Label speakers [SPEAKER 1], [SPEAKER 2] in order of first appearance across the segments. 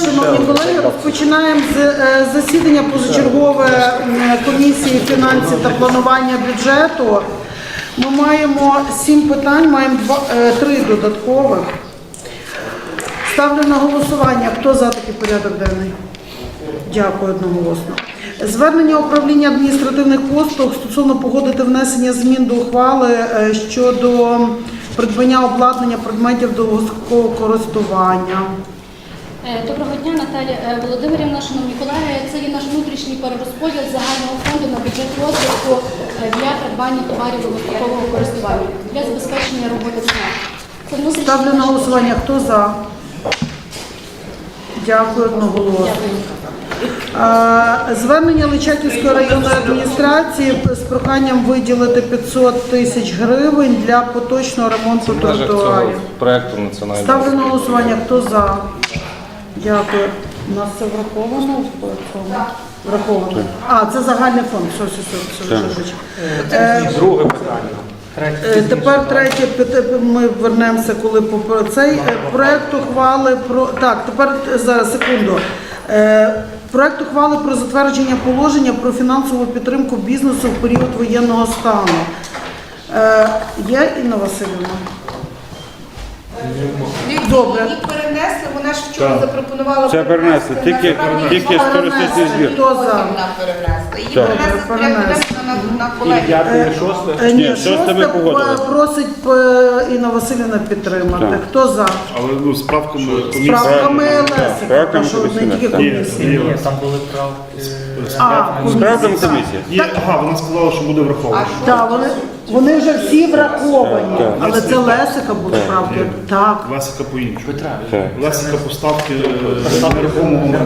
[SPEAKER 1] шановні колеги, розпочинаємо засідання позачергове комісії фінансів та планування бюджету. Ми маємо 7 питань, маємо 3 додаткових. Ставлю на голосування. Хто за такий порядок денний? Дякую одноголосно. Звернення управління адміністративних послуг стосовно погодити внесення змін до ухвали щодо придбання обладнання предметів довгострокового користування.
[SPEAKER 2] Доброго дня, Наталія Володимирівна, шановні колеги. Це є наш внутрішній перерозподіл загального фонду на бюджет розвитку для придбання товарів довгострокового користування для забезпечення роботи ЦНАП.
[SPEAKER 1] Ставлю на голосування. Хто за? Дякую одноголосно. Звернення Личаківської районної адміністрації з проханням виділити 500 тисяч гривень для поточного ремонту тротуарів.
[SPEAKER 3] Проекту національного.
[SPEAKER 1] Ставлю на голосування. Хто за? Дякую. У нас це враховано в цьому? Враховано. Це загальний фонд.
[SPEAKER 3] Друге питання.
[SPEAKER 1] Тепер третє, ми вернемося, коли по цей проект ухвали про... Так, тепер, зараз, секунду. Проект ухвали про затвердження положення про фінансову підтримку бізнесу в період воєнного стану. Є Інна Васильівна?
[SPEAKER 4] Добре. Їх перенесли, вона ж вчора запропонувала
[SPEAKER 5] Це перенесли, тільки з туристичний збір.
[SPEAKER 1] Хто за?
[SPEAKER 4] Її перенесли на колеги.
[SPEAKER 1] Ні,
[SPEAKER 5] шосте ми погодили.
[SPEAKER 1] Просить Інна Васильівна підтримати.
[SPEAKER 5] Так.
[SPEAKER 1] Хто за?
[SPEAKER 6] Але з правками
[SPEAKER 1] З правками Лесика,
[SPEAKER 5] правками
[SPEAKER 1] що не
[SPEAKER 5] комісії,
[SPEAKER 1] тільки
[SPEAKER 5] так.
[SPEAKER 1] комісії.
[SPEAKER 6] там були
[SPEAKER 5] З правдом комісія.
[SPEAKER 6] вона сказала, що буде враховано.
[SPEAKER 1] Так, вони вже всі враховані, але це Лесика буде правки. Так.
[SPEAKER 6] Лесика по-іншому.
[SPEAKER 5] Так.
[SPEAKER 6] Лесика поставки нерухомого майна.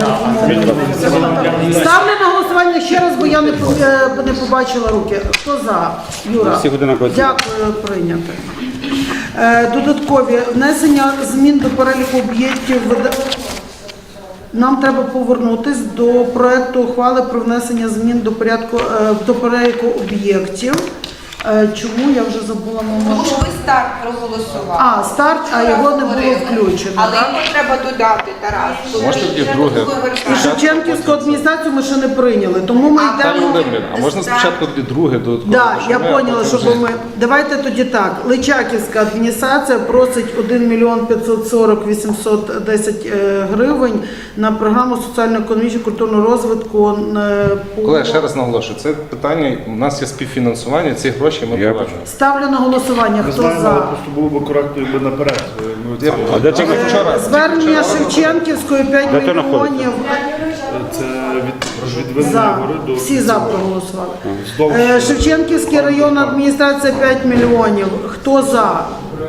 [SPEAKER 1] Ставлю на голосування ще раз, бо я не побачила руки. Хто за? Юра.
[SPEAKER 5] Всіх одинаково.
[SPEAKER 1] Дякую, прийняти. Додаткові. Внесення змін до переліку об'єктів. Нам треба повернутися до проекту ухвали про внесення змін до переліку об'єктів. Чому? Я вже забула
[SPEAKER 4] Тому
[SPEAKER 1] момент.
[SPEAKER 4] що ви старт проголосували.
[SPEAKER 1] Старт, а його не було включено.
[SPEAKER 4] Але
[SPEAKER 1] так?
[SPEAKER 4] його треба додати, Тарас.
[SPEAKER 3] Можна тоді друге?
[SPEAKER 1] І Шевченківську адміністрацію ми ще не прийняли, тому ми
[SPEAKER 3] Наталія
[SPEAKER 1] йдемо...
[SPEAKER 3] Володимирівна, а можна спочатку тоді друге додаткове?
[SPEAKER 1] Так, я
[SPEAKER 3] Щоб ми,
[SPEAKER 1] поняла,
[SPEAKER 3] а потім
[SPEAKER 1] щоб
[SPEAKER 3] вже-
[SPEAKER 1] ми... Давайте тоді так. Личаківська адміністрація просить 1 мільйон 540 810 гривень на програму соціально-економічного культурного розвитку.
[SPEAKER 3] Колеги, ще раз наголошую, це питання, у нас є співфінансування, ці гроші ми повернемо.
[SPEAKER 1] Ставлю на голосування.
[SPEAKER 6] Ми
[SPEAKER 1] Хто
[SPEAKER 6] знаємо, але
[SPEAKER 1] за?
[SPEAKER 6] просто було б коректно, якби наперед.
[SPEAKER 5] А де це вчора?
[SPEAKER 1] Звернення Шевченківської 5
[SPEAKER 5] Де це
[SPEAKER 1] мільйонів.
[SPEAKER 6] Це від Винної
[SPEAKER 1] За.
[SPEAKER 6] гори до...
[SPEAKER 1] Всі за проголосували.
[SPEAKER 6] Вздовж.
[SPEAKER 1] Шевченківська районна адміністрація 5 мільйонів. Хто за?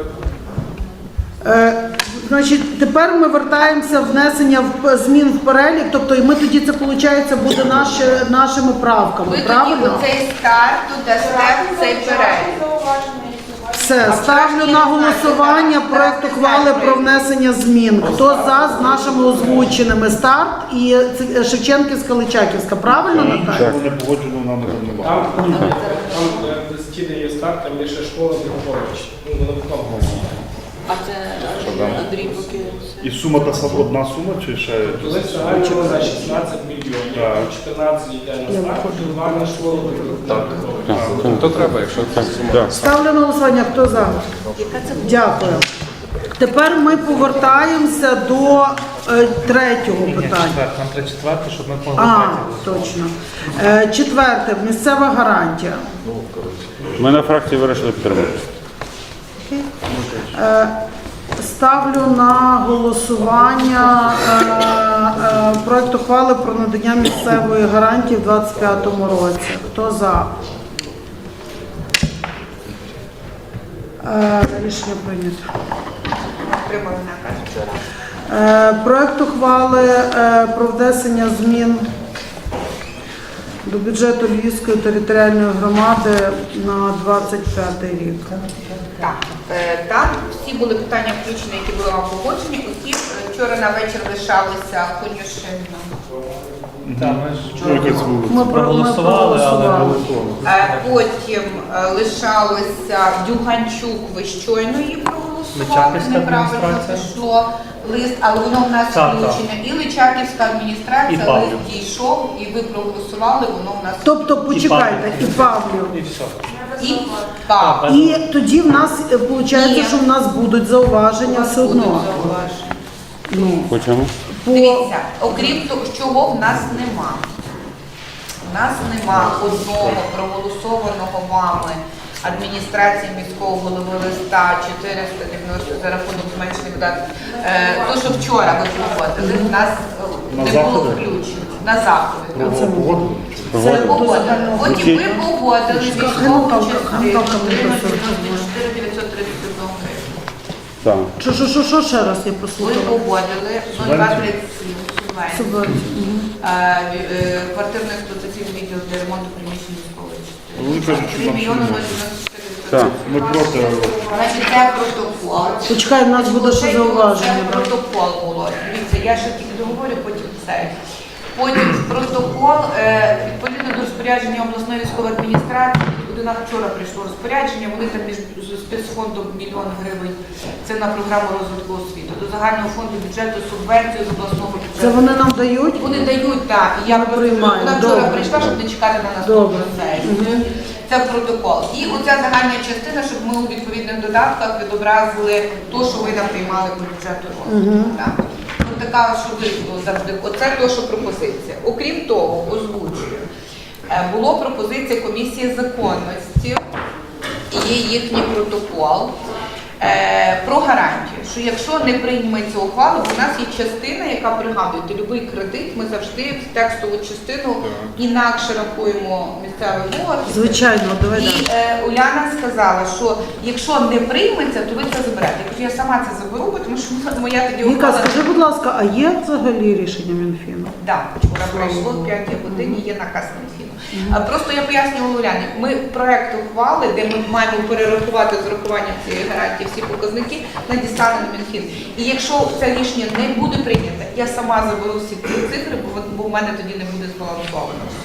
[SPEAKER 1] Значить, тепер ми вертаємося в внесення змін в перелік, тобто і ми тоді це, виходить, буде нашими правками,
[SPEAKER 4] Ви тоді
[SPEAKER 1] правильно?
[SPEAKER 4] оцей старт додасте в цей перелік.
[SPEAKER 1] Все, ставлю на голосування проект ухвали про внесення змін. Хто за з нашими озвученими старт і Шевченківська, Личаківська, правильно, Наталя?
[SPEAKER 6] Якщо не погоджено, нам не багато.
[SPEAKER 7] Там стіни є старт, там є ще школа Дрогобич. Вона виконувала.
[SPEAKER 4] А це Андрій поки...
[SPEAKER 6] І сума та сама одна сума, чи ще?
[SPEAKER 7] Коли загально на 16 мільйонів,
[SPEAKER 6] Так.
[SPEAKER 7] 14 йде на старт, 2 на школу Дрогобич.
[SPEAKER 3] То треба, якщо це сума.
[SPEAKER 1] Ставлю на голосування. Хто за? Дякую. Тепер ми повертаємося до третього питання.
[SPEAKER 7] Нам треба четверте, щоб ми могли
[SPEAKER 1] Точно. Четверте. Місцева гарантія.
[SPEAKER 5] Ми на фракції вирішили підтримати.
[SPEAKER 1] Ставлю на голосування проект ухвали про надання місцевої гарантії в 2025 році. Хто за? Рішення прийнято.
[SPEAKER 4] Отримали наказ.
[SPEAKER 1] Проект ухвали про внесення змін до бюджету Львівської територіальної громади на 25 рік.
[SPEAKER 4] Так, там всі були питання включені, які були вам погоджені. Усі вчора на вечір лишалися Конюшина.
[SPEAKER 1] Ми проголосували, але
[SPEAKER 4] Потім лишалося Дюганчук, ви щойно її проголосували.
[SPEAKER 8] Личаківська
[SPEAKER 4] неправильно
[SPEAKER 8] адміністрація.
[SPEAKER 4] пішло лист, але воно в нас
[SPEAKER 8] Так,
[SPEAKER 4] включене. І Личаківська
[SPEAKER 8] І
[SPEAKER 4] адміністрація,
[SPEAKER 8] Павлів.
[SPEAKER 4] лист дійшов, і ви проголосували, воно в нас
[SPEAKER 1] Тобто, почекайте, і Павлів.
[SPEAKER 8] І все.
[SPEAKER 4] і Павлів.
[SPEAKER 1] І тоді в нас виходить,
[SPEAKER 4] Ні.
[SPEAKER 1] що в нас будуть зауваження все одно.
[SPEAKER 4] Зауваження.
[SPEAKER 1] Ну,
[SPEAKER 5] По чому?
[SPEAKER 4] Дивіться, окрім того, чого в нас нема. У нас нема одного проголосованого вами адміністрації міського голови листа 490 за рахунок зменшених видатків. То, що вчора ви проводили, в нас
[SPEAKER 6] На
[SPEAKER 4] не було
[SPEAKER 6] заходи?
[SPEAKER 4] включено. На заходи. так.
[SPEAKER 6] Це погодили?
[SPEAKER 4] Це погодили. Потім ви погодили військову
[SPEAKER 1] Наталка,
[SPEAKER 4] частину
[SPEAKER 1] Наталка мені
[SPEAKER 4] 94 931 гривень.
[SPEAKER 5] Так.
[SPEAKER 1] Що ще раз я
[SPEAKER 4] Ви
[SPEAKER 1] послухала?
[SPEAKER 4] погодили 0237 субвенцію.
[SPEAKER 1] Субвенцію.
[SPEAKER 4] Квартирно-експлуатаційний відділ для ремонту приміщень військової
[SPEAKER 6] Вони кажуть, що
[SPEAKER 4] 3
[SPEAKER 6] нам
[SPEAKER 4] мільйони
[SPEAKER 6] ще
[SPEAKER 4] 094
[SPEAKER 5] Так.
[SPEAKER 6] Ми проти.
[SPEAKER 4] Значить, це протокол.
[SPEAKER 1] Почекай, в нас буде ще зауваження.
[SPEAKER 4] Це
[SPEAKER 1] да?
[SPEAKER 4] протокол було. Дивіться, я ще тільки договорю, потім це. Потім протокол, відповідно до розпорядження обласної військової адміністрації, до нас вчора прийшло розпорядження, вони там між спецфондом 1 мільйон гривень, це на програму розвитку освіти, до загального фонду бюджету субвенцію з обласного бюджету.
[SPEAKER 1] Це вони нам дають?
[SPEAKER 4] Вони дають, так. І я
[SPEAKER 1] Ми
[SPEAKER 4] просто
[SPEAKER 1] приймаємо.
[SPEAKER 4] вона вчора
[SPEAKER 1] Добре.
[SPEAKER 4] прийшла, щоб не чекати на наступну
[SPEAKER 1] Добре.
[SPEAKER 4] сесію. Це протокол. І оця загальна частина, щоб ми у відповідних додатках відобразили те, що ви нам приймали по бюджету розвитку. Так. Ну, така, що ви завжди. Оце те, що пропозиція. Окрім того, озвучую. Було пропозиція комісії законності, є їхній протокол. Про гарантію, що якщо не прийметься ухвала, бо у нас є частина, яка пригадуєте, будь-який кредит, ми завжди в текстову частину інакше рахуємо місцевий борг.
[SPEAKER 1] Звичайно, давай
[SPEAKER 4] І
[SPEAKER 1] далі.
[SPEAKER 4] Уляна сказала, що якщо не прийметься, то ви це заберете. Я кажу, я сама це заберу, тому що моя тоді
[SPEAKER 1] Віка,
[SPEAKER 4] ухвала.
[SPEAKER 1] скажи, будь ласка, а є взагалі рішення Мінфіну?
[SPEAKER 4] Так, вчора пройшло в 5 годині, є наказ Мінфіну. Просто я пояснювала Уляні, ми проект ухвали, де ми маємо перерахувати з урахуванням цієї гарантії всі показники, надіслали на Мінфін. І якщо це рішення не буде прийнято, я сама заберу всі ці цифри, бо в мене тоді не буде збалансовано все.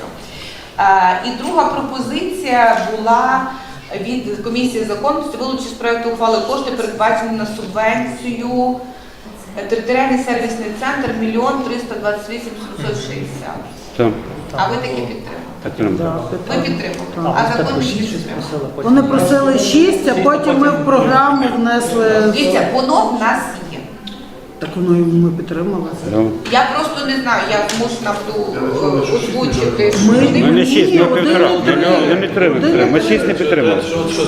[SPEAKER 4] І друга пропозиція була від комісії законності вилучити з проекту ухвали кошти, передбачені на субвенцію територіальний сервісний центр 1 328 760.
[SPEAKER 5] Так.
[SPEAKER 4] А ви таки підтримали?
[SPEAKER 5] Підтримую.
[SPEAKER 4] Ви підтримали. А закон не підтримали.
[SPEAKER 1] Вони просили 6, а потім ми в програму внесли.
[SPEAKER 4] Дивіться, воно в нас є.
[SPEAKER 1] Так воно і ми підтримали.
[SPEAKER 4] Я просто не знаю, я змушена буду озвучити. що
[SPEAKER 1] Ми-
[SPEAKER 4] вони-
[SPEAKER 5] Ми не 6, ми
[SPEAKER 1] Ні,
[SPEAKER 5] 1,5.
[SPEAKER 1] один
[SPEAKER 5] Ми не 3 підтримали. Ми 6 не підтримали.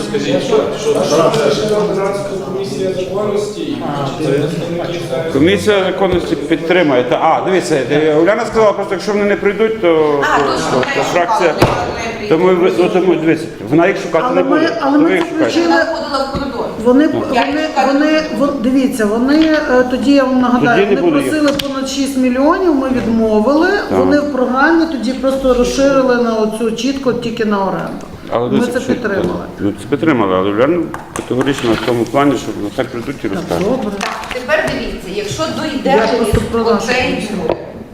[SPEAKER 7] Комісія законності і представників
[SPEAKER 5] Комісія законності підтримує. Дивіться, Уляна сказала, просто якщо вони не прийдуть, то фракція. Тому дивіться, вона їх шукати
[SPEAKER 1] Але
[SPEAKER 5] не
[SPEAKER 1] ми-
[SPEAKER 5] буде.
[SPEAKER 1] але
[SPEAKER 5] То
[SPEAKER 1] ми
[SPEAKER 5] ви їх
[SPEAKER 1] це
[SPEAKER 5] шукайте.
[SPEAKER 1] включили.
[SPEAKER 4] Вона входила в коридор.
[SPEAKER 1] Дивіться, вони тоді я вам нагадаю,
[SPEAKER 5] Тоді не
[SPEAKER 1] вони
[SPEAKER 5] буде
[SPEAKER 1] просили понад 6 мільйонів, ми відмовили. Вони в програмі тоді просто розширили на оцю чітко тільки на оренду. Ми
[SPEAKER 5] дивіться,
[SPEAKER 1] це
[SPEAKER 5] що-
[SPEAKER 1] підтримали.
[SPEAKER 5] Ну, це підтримали, але Уляна категорично в тому плані, що ну, так прийдуть і розкажуть.
[SPEAKER 1] Добре.
[SPEAKER 4] Так, тепер дивіться, якщо
[SPEAKER 1] Я
[SPEAKER 4] дойде
[SPEAKER 1] просто про нашу
[SPEAKER 4] оцей
[SPEAKER 1] комісію.
[SPEAKER 4] юр,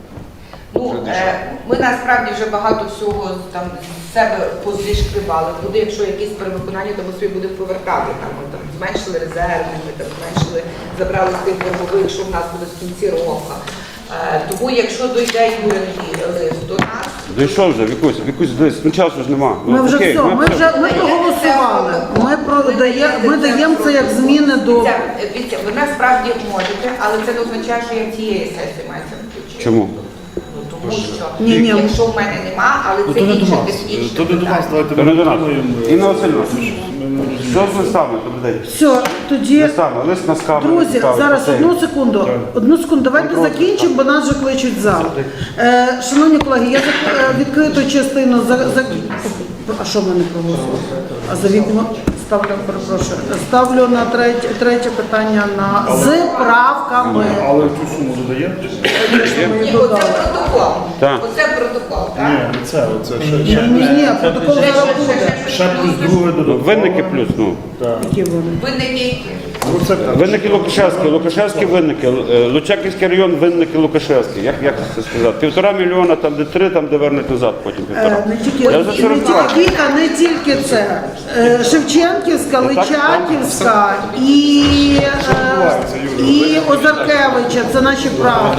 [SPEAKER 4] ми насправді вже багато всього там з себе позішкривали. Буде, якщо якісь перевиконання, то ми собі будемо повертати. Там, ми там зменшили резерви, ми там зменшили, забрали з тих боргових, що в нас буде в кінці року. Тому якщо дойде юридичний лист до нас,
[SPEAKER 5] Дійшов вже, Вікусь, дивись, ну часу ж нема.
[SPEAKER 1] Ми вже
[SPEAKER 5] окей,
[SPEAKER 1] все, ми проголосували. Ми даємо це як зміни до.
[SPEAKER 4] дивіться, ви насправді можете, але це не означає, що я цієї сесії маю це включити.
[SPEAKER 5] Чому?
[SPEAKER 4] Тому що
[SPEAKER 1] Ні.
[SPEAKER 4] якщо в мене нема, але це інше технічне
[SPEAKER 6] То не до нас,
[SPEAKER 4] питання.
[SPEAKER 6] давайте
[SPEAKER 5] То не до нас.
[SPEAKER 6] підтримуємо.
[SPEAKER 5] Інна Васильівна, що з листами? Добрий день.
[SPEAKER 1] Все, тоді.
[SPEAKER 5] Листами, лист на скаву.
[SPEAKER 1] Друзі, зараз одну секунду. Давайте закінчимо, бо нас вже кличуть в зал. Шановні колеги, я відкриту частину А що ми не проголосували? А за вікно ставлю на третє питання з правками.
[SPEAKER 6] Але цю суму додаємо?
[SPEAKER 1] Ми її
[SPEAKER 4] Ні, оце
[SPEAKER 1] додали.
[SPEAKER 4] протокол.
[SPEAKER 5] Так.
[SPEAKER 4] Оце протокол, так?
[SPEAKER 6] Ні, не це ще
[SPEAKER 1] Ні, протокол зараз буде.
[SPEAKER 6] ще плюс друге
[SPEAKER 5] Ну,
[SPEAKER 6] додаткове.
[SPEAKER 5] винники плюс, ну.
[SPEAKER 1] Які вони?
[SPEAKER 4] Винники які?
[SPEAKER 6] Ну, це так.
[SPEAKER 5] Винники Лукашевські, Лукашевські винники, Лучаківський район, винники Лукашевські. Як це сказати? 1,5 мільйона, там де 3, там де вернуть назад потім 1,5.
[SPEAKER 1] Не тільки,
[SPEAKER 5] Я вже це розбирав.
[SPEAKER 1] Віка, не тільки це. Шевченківська, Личаківська і Озаркевича. Це наші правки.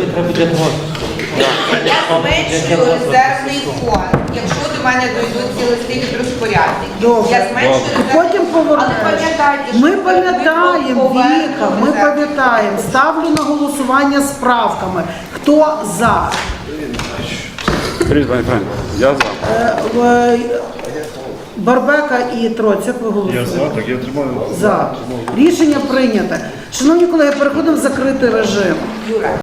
[SPEAKER 4] Я зменшую резервний фонд. Якщо до мене дойдуть ці листи від розпорядників,
[SPEAKER 1] Добре.
[SPEAKER 4] я зменшую резервний
[SPEAKER 1] Потім
[SPEAKER 4] фонд. Але
[SPEAKER 1] повернемо.
[SPEAKER 4] пам'ятайте, що
[SPEAKER 1] Ми
[SPEAKER 4] ви
[SPEAKER 1] пам'ятаємо,
[SPEAKER 4] повернете
[SPEAKER 1] Віка, ми
[SPEAKER 4] резерв.
[SPEAKER 1] пам'ятаємо. Ставлю на голосування з правками. Хто за?
[SPEAKER 5] Скажіть, пані Франк, я за.
[SPEAKER 1] Барбека і Троць, як ви
[SPEAKER 6] Я
[SPEAKER 1] голосуєте?
[SPEAKER 6] за, так я тримаю.
[SPEAKER 1] За. Рішення прийнято. Шановні колеги, переходимо в закритий режим.
[SPEAKER 4] Юра.